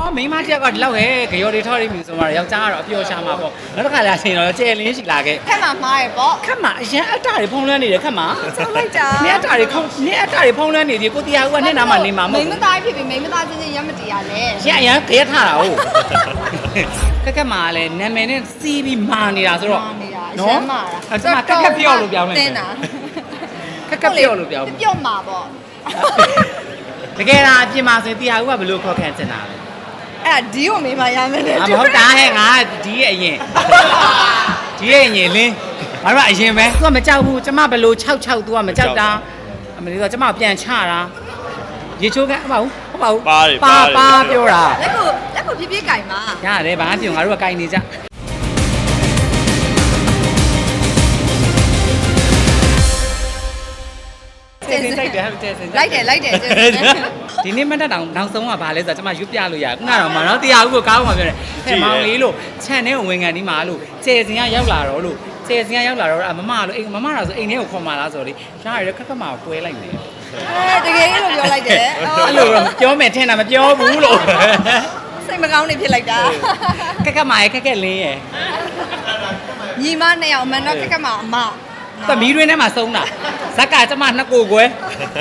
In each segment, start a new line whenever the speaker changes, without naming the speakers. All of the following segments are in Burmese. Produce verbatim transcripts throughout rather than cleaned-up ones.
မိန်းမတစ်ယောက်ကဒီလောက်ဟဲ့ကြော်တွေထောက်ရပြီဆိုမှယောက်ျားကတော့အပျော်ရှာမှာပေါ့နောက်တစ်ခါလာချိန်တော့ကျဲလင်းရှိလာခဲ့
ခက်မှာမှားရပေါ့
ခက်မှာအရင်အတ္တတွေဖုံးလွှမ်းနေတယ်ခက်မှာ
ဆောက်လိုက်တာ
နင်းအတ္တတွေခုံနင်းအတ္တတွေဖုံးလွှမ်းနေတယ်ကိုတရားဦးကနဲ့နာမှာနေမှာမ
မိ
ဟုတ်
မ
ဘူး
သားဖြစ်ပြီးမိမသားချင်းချင်းရမတရားလဲ
ရအရင်ခဲထားတာဟုတ်ခက်ခက်မှာလည်းနာမည်နဲ့စီးပြီးမာနေတာဆိုတော့
နေတာအရှမ်းမာတာ
အဲ့ဒါခက်ခက်ပြော့လို့ပြောင်းလိုက်
တင်းတာ
ခက်ခက်ပြော့လို့ပြောင်း
ပြော့မှာပေါ့
တကယ်လားအပြင်မှာဆိုရင်တရားဦးကဘယ်လိုခေါ်ခံချင်တာလဲ
အဲ့ဒါဒီကိုမိမရမယ်လေ
အမဟုတ်တာဟဲ့ငါဒီရဲ့အရင်ဒီရဲ့အရင်လင်းငါတို့ကအရင်ပဲသူကမကြောက်ဘူးကျမဘယ်လို၆၆သူကမကြောက်တာအမလေးကကျမပြန်ချတာရေချိုးကဟုတ်ပါဘူးဟုတ်ပါဘူးပါပါပြောတာ
လက်ကိုလက်ကိုပြပြကြိုင်မှာ
ရတယ်ဘာမှပြုံငါတို့ကကြိုင်နေကြကျေးဇူးတိုက်တယ်ကျေးဇူး
လိုက်တယ်လိုက်တယ်ကျေးဇူး
ဒီနေ့မတက်တောင်နောက်ဆုံးကဘာလဲဆိုတော့ကျမရွတ်ပြလို့ရခုနကတော့မနော်တရားဦးကိုကားပေါ်မှာပြောတယ်ဟဲ့မောင်လေးလို့ခြံထဲကိုဝင်ကန်ဒီမှာလို့ကျေစင်ကရောက်လာတော့လို့ကျေစင်ကရောက်လာတော့မမလို့အိမ်မမလားဆိုအိမ်ထဲကိုခေါ်มาလားဆိုတော့လေရှားရခက်ခက်မှာကွဲလိုက်နေ
အဲတကယ်လို့ပြောလိုက်တယ်
အဲ့လိုပြောမယ်ထင်တာမပြောဘူးလို့
စိတ်မကောင်းနေဖြစ်လိုက်တာ
ခက်ခက်မှာရခက်ခက်လင်းရ
ညီမနှစ်ယောက်မန်တော့ခက်ခက်မှာအမ
သမီးတွင်းထဲမှာဆုံးတာဇက်ကကျမနှစ်ကိုကွဲ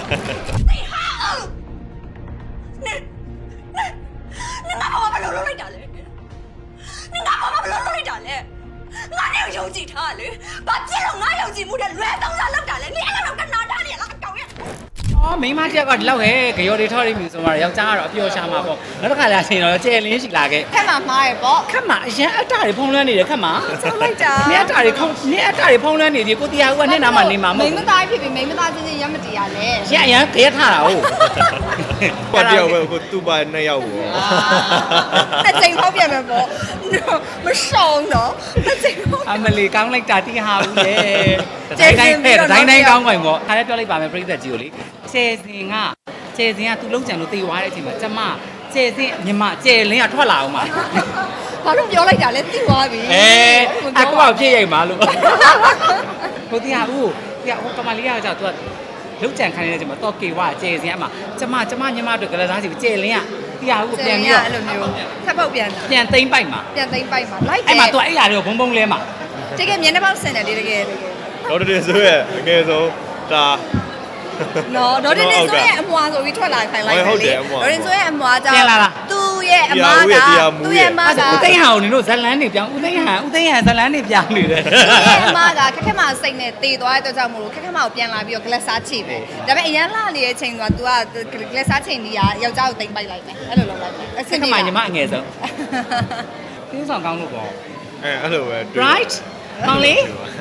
你拿我把肉肉来打嘞！你拿我把肉肉来打嘞！俺那有几他嘞？把这种俺有几目的乱动乱弄打嘞！你那种跟哪打嘞？那个狗呀！
အော်မိန်းမတစ်ယောက်ကဒီလောက်ဟဲ့ကြော်တွေထောက်ရပြီဆိုမှယောက်ျားကတော့အပျော်ရှာမှာပေါ့နောက်တစ်ခါလာချိန်တော့ကျဲလင်းရှိလာခဲ့
ခက်မှာမှားရပေါ့
ခက်မှာအရင်အတ္တတွေဖုံးလွှမ်းနေတယ်ခက်မှာ
ဆောက်လိုက်တာ
နင်းအတ္တတွေခုံနင်းအတ္တတွေဖုံးလွှမ်းနေတယ်ကိုတရားဦးကနဲ့နာမှာနေမှာမဟုတ်
မိမ
ဘူး
သားဖြစ်ပြီးမိမသားချင်းချင်းရမတရားလဲ
ရအရင်ခဲထားတာဟုတ်
ဘာတယောက်ပဲကိုသူ့ပါနှစ်ယောက်ပေါ့
အချိန်ဖောက်ပြန်မယ်ပေါ့မရှောင်းတော့အချိန်ဖောက်
အမလီကောင်းလိုက်တာတိဟာဘူးလေတိုင်းတိုင်းဖဲတိုင်းတိုင်းကောင်းကောင်းပေါ့ခါလေးပြောလိုက်ပါမယ်ပြိသက်ကြီးကိုလေကျဲစင်ကကျဲစင်ကသူ့လုံးချံလို့တေသွားတဲ့အချိန်မှာကျမကျဲစင်ညီမကျဲလင်းကထွက်လာအောင်ပါ
ဘာလို့ပြောလိုက်တာလဲသိသွားပြီ
အဲအကူအောင်ပြည့်ရိုက်ပါလို့ကိုတရားဦးတရားဟိုကမလေးကကြောက်သူကလုံးချံခိုင်းနေတဲ့အချိန်မှာတော့ကေဝကျဲစင်အမကျမကျမညီမတို့ကလေးသားစီကျဲလင်းကတရားဦးပြန်ပြီးတော့
အဲ့လိုမျိုးထပ်ပေါက်ပြန်တာ
ပြန်သိမ့်ပိုက်မှာ
ပြန်သိမ့်ပိုက်မှာလိုက်တယ်
အဲ့မှာသူအဲ့အရာတွေကိုဘုံဘုံလဲမှာ
တကယ်မျက်နှာပေါက်ဆင်တယ်လေတကယ်တကယ်
တော့တည်းဆိုရဲ့အငယ်ဆုံးဒါ
နော်ဒေါ်တင်တင်ဆိုရဲ့အမွာဆိုပြီးထွက်လာခိုင်းလိုက်တယ်လေဒေါ်တင်ဆိုရဲ့အမွာကြောင့်သူ့ရဲ့အမကသူ့ရဲ့အမက
ဦးသိန်းဟန်ကိုနင်တို့ဇလန်းနေပြောင်းဦးသိန်းဟန်ဦးသိန်းဟန်ဇလန်းနေပြောင်းနေတယ်
သူ့ရဲ့အမကခက်ခက်မစိတ်နဲ့တေသွားတဲ့အတွက်ကြောင့်မို့လို့ခက်ခက်မကိုပြန်လာပြီးတော့ဂလက်စားချိပဲဒါပေမဲ့အရန်လာနေတဲ့အချိန်က तू ကဂလက်စားချိန်ကြီးကယောက်ျားကိုတိမ်ပိုက်လိုက်မယ်အဲ့လိုလုပ်လိုက်တယ်အဆ
စိ
င်
တ်က
ပြေ
မှညီမအငယ်ဆုံးပြင်းဆောင်ကောင်းလို့ပေါ့
အဲအဲ့လိုပဲ
right ကောင်းလေ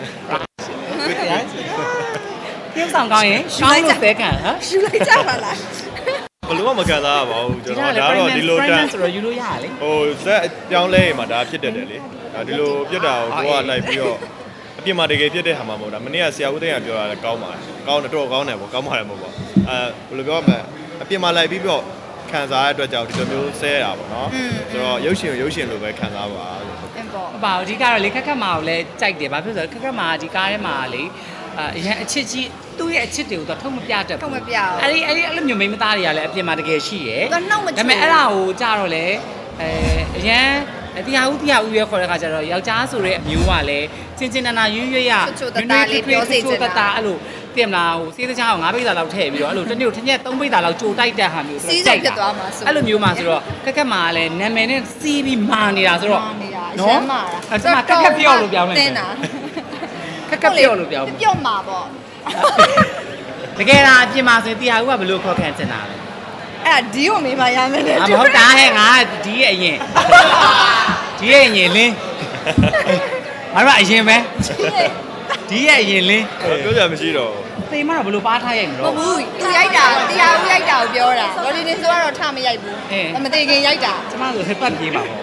ပြင်းဆောင်ကောင်းရင်ရှောင်းလို့ပဲခံဟမ်
ယူလိုက်ကြပါလား
ဘလို့မကန်စားရပါဘူးကျွန်တော်ဒါတော့ဒီလိုတန်း
ဆိုတော့ယူလို့ရရလေ
ဟိုဇက်ပြောင်းလဲမှာဒါဖြစ်တတ်တယ်လေဒါဒီလိုပြတ်တာကိုကိုကလိုက်ပြီးတော့အပြင်မှာတကယ်ပြတ်တဲ့ဟာမှမဟုတ်တာမနေ့ကဆရာဦးသိန်းကပြောတာလည်းကောင်းပါတယ်ကောင်းတယ်တော့ကောင်းတယ်ပေါ့ကောင်းပါတယ်မဟုတ်ပါအဲဘယ်လိုပြောမလဲအပြင်မှာလိုက်ပြီးတော့ခံစားရတဲ့အတွက်ကြောင့်ဒီလိုမျိုးဆဲရတာပေါ့နော်ဆိုတော့ရုပ်ရှင်ရုပ်ရှင်လိုပဲခံစားပါလို့
အင်ပေါ့
ဟုတ်ပါဘူးအဓိကတော့လေခက်ခက်မာကိုလည်းကြိုက်တယ်ဘာဖြစ်လို့လဲခက်ခက်မာဒီကားထဲမှာလေအရန်အချစ်ကြီးသူ့ရဲ့အချစ်တွေကိုတော့ထုတ်မပြတတ်ဘူး
ထုတ်မပြဘူး
အဲ့ဒီအဲ့ဒီအဲ့လိုမျိုးမိန်းမသားတွေကလည်းအပြင်မှာတကယ်ရှိရယ်
သူကနှောက်မချိုး
ဒါပေမဲ့အဲ့ဒါကိုကြတော့လေအဲအရန်တရားဦးတရားဦးရဲခေါ်တဲ့ခါကျတော့ယောက်ျားဆိုတဲ့အမျိုးကလည်းချင်းချင်းနာနာရွရွရတတာအဲ့လိုပြင်မလားဟိုစေးတချောင်းငါးပိတ်တာလောက်ထည့်ပြီးတော့အဲ့လိုတစ်နေ့တစ်ရက်သုံးပိတ်တာလောက်ကြိုတိုက်တဲ့ဟာမျိုးဆိုတော့အဲ့လိုမျိုးမှဆိုတော့ခက်ခက်မှာလည်းနာမည်နဲ့စီးပြီးမာနေတာဆိုတော့
နေတာအရှမ်းမာတာ
အဲ့ဒါခက်ခက်ပြောလို့ပြောင်းလိုက်
တင်းတာ
ခက်ခက်ပြောလို့ပြောင်း
ပြော့မှာပေါ့
တကယ်လားအပြင်မှာဆိုရင်တရားဦးကဘယ်လိုခေါ်ခံချင်တာလဲ
အဲ့ဒါဒီကိုမိမရမယ်လေ
အမဟုတ်တာဟဲ့ငါဒီရဲ့အရင်ဒီရဲ့အရင်လင်းငါတို့ကအရင်ပဲဒီရဲ့အရင်လင်း
ပြောကြမရှိတော့
သေမတော့ဘယ်လိုပါထားရိုက်မ
မ
လို့
ဟုတ်ဘူးသူရိုက်တာတရားဦးရိုက်တာကိုပြောတာဒေါ်တင်တင်ဆိုကတော့ထမရိုက်ဘူးမသေးခင်ရိုက်တာ
ကျမတို့ဟိပတ်ပြေးပါပေါ့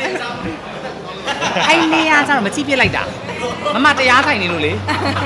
အဲ့နေရကျတော့မချိပြစ်လိုက်တာမမတရားထိုင်နေလို့လေ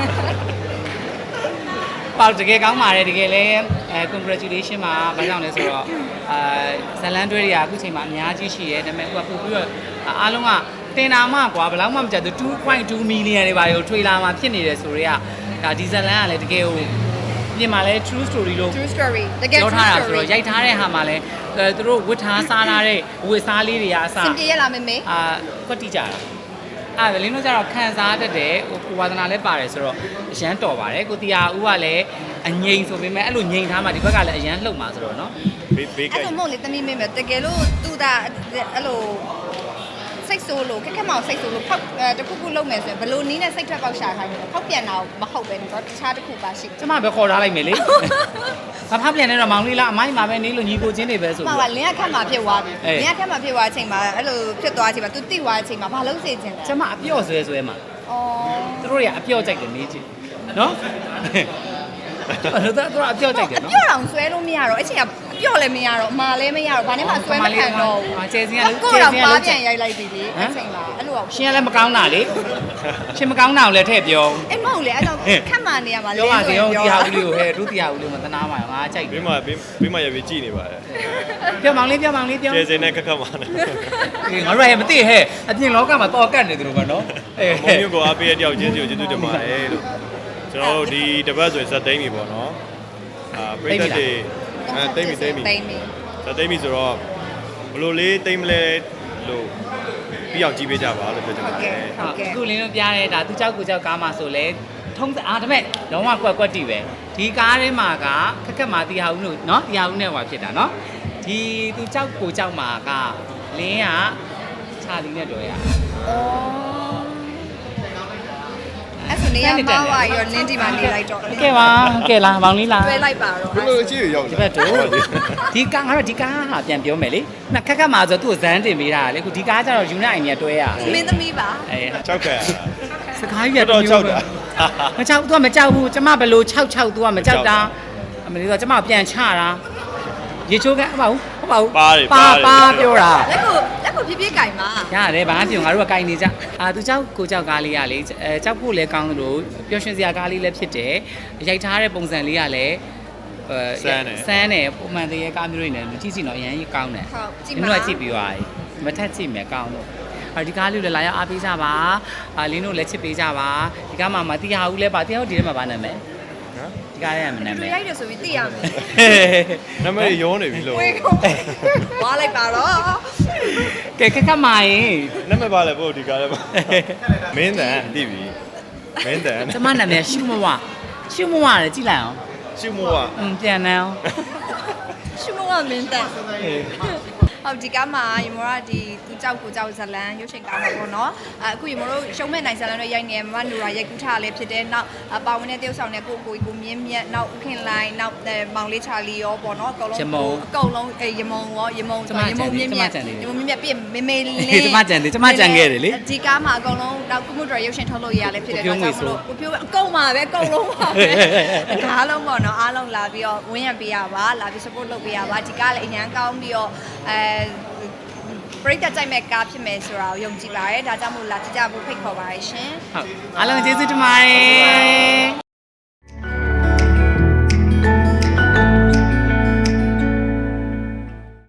ပေါ့တကယ်ကောင်းပါတယ်တကယ်လဲအဲ congratulation ပါဘာကြောင့်လဲဆိုတော့အာဇလန်တွဲတွေကအခုချိန်မှာအများကြီးရှိရဲဒါပေမဲ့အခုကပို့ပြီးတော့အားလုံးကတင်တာမှကွာဘယ်လောက်မှမကြသူ two point two million တွေပါရောထွေလာမှဖြစ်နေတယ်ဆိုတော့ဒါဒီဇလန်ကလည်းတကယ်ကိုပြင်မှာလဲ true story လို့
true story တကယ်
ပြော
true
ထားတာဆို
story
တော့ရိုက်ထားတဲ့ဟာမှာလဲအဲသူတို့ဝတ်ထားစားထားတဲ့ဝတ်စားလေးတွေအစ
စင်ပြေရလားမေမေ
အာကွက်တိကြတာအဲ့ဒါလင်းတို့ကျတော့ခံစားတတ်တယ်ဟိုကိုဝါသနာလည်းပါတယ်ဆိုတော့အရန်တော်ပါတယ်ကိုတီယာဦးကလည်းအငိမ့်ဆိုပေမဲ့အဲ့လိုငိမ့်ထားမှဒီဘက်ကလည်းအရန်လှုပ်မှာဆိုတော့နော်
ဘေးဘေးက
အဲ့လိုမဟုတ်လေသမီးမေမေတကယ်လို့သူတာအဲ့လိုစိတ်ဆိုးလို့ခက်ခက်မအောင်စိတ်ဆိုးလို့ဖောက်တခုခုလုပ်မယ်ဆိုရင်ဘလို့နီးနဲ့စိတ်ထွက်ပေါက်ရှာခိုင်းတယ်ဖောက်ပြန်တာမဟုတ်ပဲတော့တခြားတစ်ခုပါရှိ
ကျမပဲခေါ်ထားလိုက်မယ်လေမဖောက်ပြန်နေတော့မောင်လေးလားအမိုင်းမှာပဲနေလို့ညီကိုချင်းတွေပဲဆို
မှ
ပြီး
ပါလင်းကခက်မှာဖြစ်သွားပြီ
အေး
လင်းကခက်မှာဖြစ်သွားတဲ့အချိန်မှာအဲ့လိုဖြစ်သွားတဲ့အချိန်မှာ तू တိသွားတဲ့အချိန်မှာဘာလို့စေချင်လဲ
ကျမအပြော့ဆွဲဆွဲမှာ
အော်
သူတို့တွေကအပြော့ကြိုက်တယ်နေချင်းနော်အဲ့ဒါတော့အပြော့ကြိုက်တယ်
အ
နော်
ပြော့အောင်ဆွဲလို့မရတော့အချိန်ကအပြော့လည်းမရတော့အမာလည်းမရတော့ဘာနဲ့မှဆွဲမခံတော့ဘူး
အာကျဲစင်းကလည်း
ကို
ကျဲ
တော့
စင်းက
ပါ
လည်း
ပြန်ရိုက်လိုက်ပြီလေအချိန်မှာအဲ့လိုအောင်
ရှင်ကလည်းမကောင်းတာလေရှင်မကောင်းတာကိုလည်းထည့်ပြော
အဲ့မဟုတ်လေအဲ့တော့ခက်မှနေရမှာ
ပြောပါစေရော
ပြော
တရားဦးလေးကိုဟဲ့ဒုတိယဦးလေးမသနာပါဘူးငါကြိုက်တ
ဘေး
ယ်
မှာဘေးဘေးမှာရပြီးကြည်နေပါတယ်
ပြောမောင်လေးပြောမောင်လေးပြော
ကျေစင်နဲ့ခက်ခက်မှာနဲ့
အေးငါတို့ရမသိဟဲ့အပြင်လောကမှာတော့ကတ်နေတယ်လို့ပဲနော်အေး
မုံမျိုးကိုအားပေးတဲ့တယောက်ချင်းစီကိုကျေးဇူးတင်ပါတယ်လို့ကျွန်တော်တို့ဒီတပတ်ဆိုရင်ဇက်သိမ်းပြီပေါ့နော်အာပရိသတ်တွေအဲသိမ်းပြီသိမ်းပြီ
တိမ့်ပြီ
ဇက်သိမ်းပြီဆိုတော့ဘလို့လေးသိမ်းမလဲလို့ပြီးအောင်ကြည့်ပေးကြပါလို့ပြောချင်ပါတယ်
ဟုတ်ကဲ့
အခုလင်းတို့ပြရဲဒါသူเจ้าကိုเจ้าကားမှာဆိုလဲထုံးအားဒါပေမဲ့လုံးဝကွက်ကွက်တီပဲဒီကားထဲမှာကခက်ခက်မှာတရားဦးလို့နော်တရားဦးနဲ့ဟွာဖြစ်တာနော်ဒီသူเจ้าကိုเจ้าမှာကလင်းကခြာလီနဲ့တော်ရ
အဲ့ဆိုနေရမှာဝါရောလင်းဒီမှာနေလိုက်တော့
ကဲပါကဲလားမောင်လေးလား
တွဲလိုက်ပါတော့
ဘလို့ကြည့်ရရောက်
ဒီဘက်တို့ဒီကားငါတို့ဒီကားဟာပြန်ပြောမယ်လေနှစ်ခက်ခက်မှာဆိုသူ့ကိုဇန်းတင်ပေးတာလေအခုဒီကားကျတော့ယူနိုက်နေတွဲရ
မင်းသမီးပါ
အဲ
ချောက်ခက်
စကားကြီး
တော့ချောက်တာ
မချောက် तू ကမကြောက်ဘူးကျမဘလို့၆၆ तू ကမကြောက်တာအမလေးတော့ကျမပြန်ချတာရေချိုးကဟုတ်ပါဘူးဟုတ်ပါဘူးပါပါပြောတာ
လက်ကိုလက်ကိုဖြည်းဖြည်းကြိုင်ပါ
ရတယ်ဘာမှပြောငါတို့ကကြိုင်နေကြအာသူเจ้าကိုเจ้าကားလေးကလေအဲเจ้าဖို့လည်းကောင်းလို့ပျော်ရွှင်စရာကားလေးလည်းဖြစ်တယ်ရိုက်ထားတဲ့ပုံစံလေးကလည်းအဲဆန်းတယ်ပုံမှန်တည်းရဲ့ကားမျိုးတွေနဲ့ကြည့်စီတော့အရင်ကြီးကောင်းတယ်
ဟုတ်ကြည့်
ဒီ
ပါ
လိုကကြည့်ပြီးသွားပြီမထက်ကြည့်မယ်ကောင်းလို့အဲဒီကားလေးလည်းလာရောက်အားပေးကြပါအာလင်းတို့လည်းချစ်ပေးကြပါဒီကားမှာမတရားဘူးလဲပါတရားဟုတ်ဒီထဲမှာဗာနာမယ်ဒီကားရဲ့မနာမ
တွေ့
ည်
လိုက်တယ်ဆိုပြီးသိရမယ်
နာမည်ရောနေပြီလို့
ဝေးကုန်ဝါလိုက်ပါတော့
ကဲခက်ခက်မာရင်
နာမည်ပါလေပို့ဒီကားလေးပါမင်းတန်သိပြီမင်းတန်
ကျမနာမည်ရှုမဝရှုမဝလည်းကြည့်လိုက်အောင်
ရှုမိုးက
อืมပြန်နေအောင်
ရှုမဝမင်းတက်ဟုတ်ဒီကားမှာယမတို့ဒီသူကြောက်ကိုကြောက်ဇလန်ရုပ်ရှင်ကားမှာပေါ့နော်အခုယမတို့ရှုံးမဲ့နိုင်ဇလန်တွေရိုက်နေမမနူရာရိုက်ကူးထားလည်းဖြစ်တယ်နောက်ပါဝင်တဲ့တယောက်ဆောင်တဲ့ကိုကိုကိုမြင်းမြတ်နောက်ဦးခင်လိုင်းနောက်မောင်လေးချာလီရောပေါ့နော်အကုန်လုံးအကုန်လုံးရမုံရောရမုံရမုံမြင်းမြတ်ရမုံမြင်းမြတ်ပြမေမေလေး
ကျမကြံတယ်ကျမကြံခဲ့တယ်လေ
ဒီကားမှာအကုန်လုံးနောက်ကုမှုတော်ရုပ်ရှင်ထုတ်လို့ရလည်းဖြစ်တယ်တော့ကြောင့်မလို့ကိုပြောအကုန်ပါပဲအကုန်လုံးပါပဲအားလုံးပေါ့နော်အားလုံးလာပြီးတော့ဝင်းရံပေးရပါလာပြီး support လုပ်ပေးရပါဒီကားလည်းအញ្ញမ်းကောင်းပြီးတော့အဲပရိသတ်ကြိုက်မဲ့ကားဖြစ်မယ်ဆိုတာကိုယုံကြည်ပါတယ်ဒါကြောင့်မို့လာကြည့်ကြဖို့ဖိတ်ခေါ်ပါရရှင်
ဟုတ်အားလုံးကျေးဇူးတင်ပါတယ်